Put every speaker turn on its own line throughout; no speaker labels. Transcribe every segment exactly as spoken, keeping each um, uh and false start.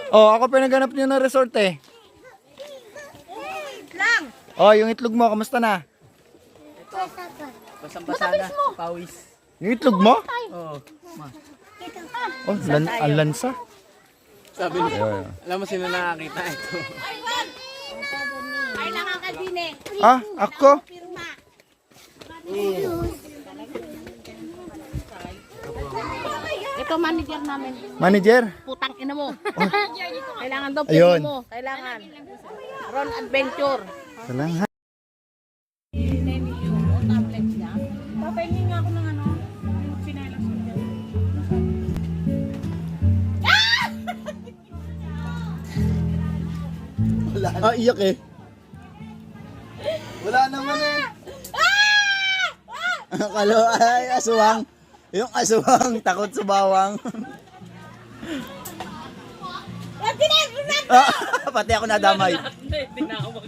Oh, ako pinaganap niyo ng resort eh.
Lang.
Oh, yung itlog mo, kamusta na?
Basang-basa na, pawis.
Yung itlog mo?
Oo.
Oh, lan ang lansa.
Sabi niya, alam mo sino nakakita ito?
Ay, nakakadine.
Ah, ako?
Ito manager namin.
Manager?
Putang ina mo. Kailangan daw
Ayun.
puno mo. Kailangan. Ron Adventure.
Salamat.
Papahingi nga ako ng ano. Yung sinelas mo.
Ah, iyak eh. Wala naman eh. Kalo, ay, aswang. Yung aswang, takot sa bawang. Ah, pati ako nadamay.
Hindi na ako mag...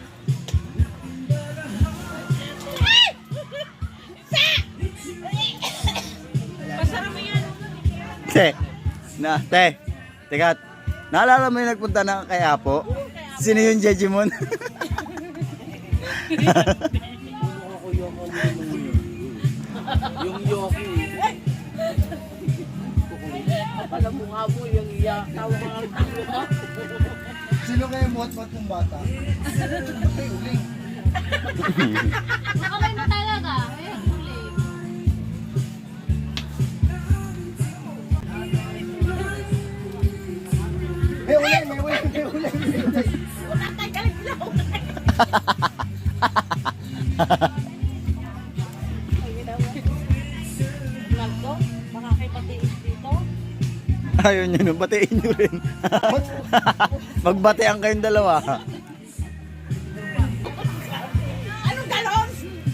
Masarap mo yan.
Te, na, te, teka, naalala mo yung nagpunta na kay Apo? Sino yung Jejimon?
Yung yoki.
Alam mo nga mo yung iya. Tawa ka nga tawa.
Sino kayo buhat-buhat ng bata? Ay, uling.
Nakamay na talaga. Eh, huli.
May uling, may uling, may uling.
Wala tayo galing ilaw. Naldo, baka kayo patiis dito.
Ayaw nyo nun, batiin nyo rin. Magbatean kayong dalawa.
Anong galon?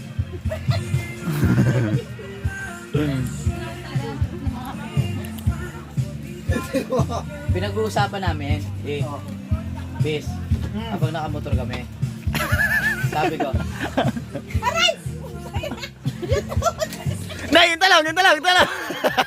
Pinag-uusapan namin, eh, bis, habang nakamotor kami. Sabi ko,
Aray!
Na, yung talong, yung talong, yung talong.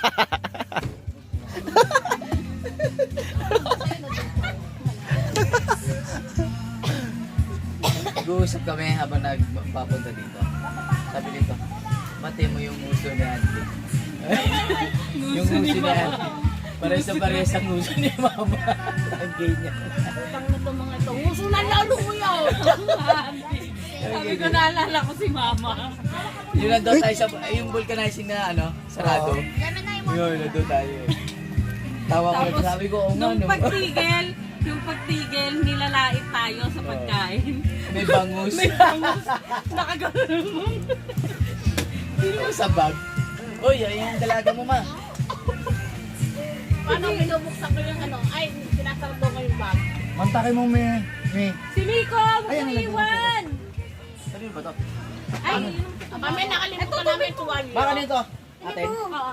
nag-uusap kami habang nagpapunta dito. Sabi dito, bati mo yung uso ni Auntie. Yung uso ni Auntie. Pares sa pares ang uso ni Mama. Ang gay niya.
Utang na to mga ito. Uso na lalo mo yun. Sabi ko naalala ko si Mama.
Yun nandun tayo sa, yung vulcanizing na ano, sarado. Yun, nandun tayo. Tawa ko,
Tapos,
sabi ko, oh nga,
Nung
no.
pagtigil, yung pagtigil, nilalait tayo sa pagkain.
May bangus.
May bangus. Nakagano'n mo.
Hindi mo sa bag. Uy, ayun yung dalaga mo, ma.
Paano binubuksan ko yung ano? Ay, sinasarado ko yung bag.
Mantakin mo, may, may.
Si Miko,
Ay, ang lagyan
iwan.
Ano ba to?
Ay, kami nakalimutan namin tuwalyo.
Baka dito. Atin.
Oo.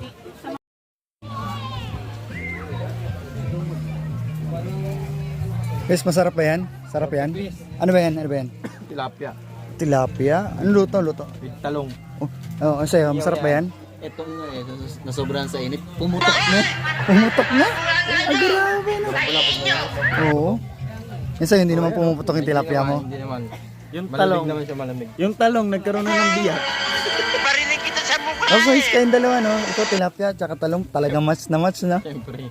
Guys, masarap ba yan? Sarap yan? Ano ba yan? Ano ba yan?
Tilapia.
Tilapia? Ano luto? Luto?
Talong.
Oh, oh ano sa'yo? Masarap ba yan?
Itong eh, nas- nasobrahan sa init, pumutok na.
Pumutok na? Ay, grabe no? Oo. Yan sa'yo, hindi naman pumuputok yung tilapia mo.
Hindi naman.
Yung
Malamig naman siya, malamig.
Yung talong, nagkaroon na ng biyak. Parinig kita sa mukha! Oh, guys, kayong dalawa, no? Ito, tilapia, tsaka talong, talagang match na match, no?
Siyempre.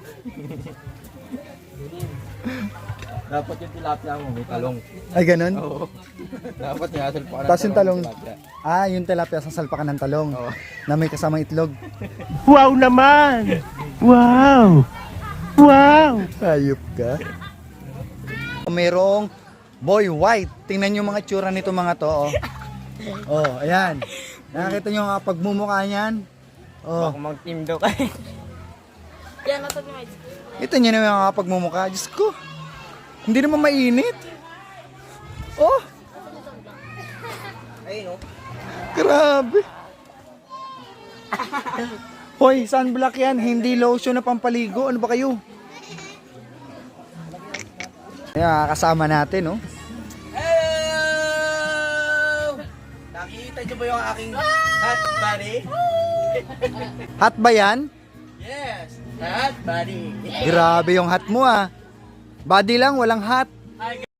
Dapat yung tilapia mo, may talong.
Ay, ganun?
Oo. Dapat yung asal pa ka ng
Tapos yung talong,
tilapia.
ah, yung tilapia, sasalpakan ng talong.
Oo.
Na may kasamang itlog.
Wow naman! Wow! Wow!
Hayop ka. Merong boy white. Tingnan nyo mga tsura nito mga to, oh. Oh, ayan. Nakakita nyo nga pagmumukha niyan. Oh,
Baka mag-team daw kayo.
Yan, nato niya.
ito nyo na yung mga pagmumukha. Diyos ko. Hindi naman mainit. Oh.
Ayun oh.
Grabe. Hoy, sunblock yan. Hindi lotion na pampaligo. Ano ba kayo? Ayan, kasama natin, oh.
Hello! Nakikita niyo ba yung aking hot body?
Hot ba yan?
Yes! Hot body!
Grabe yung hat mo, ah. Body lang, walang hat.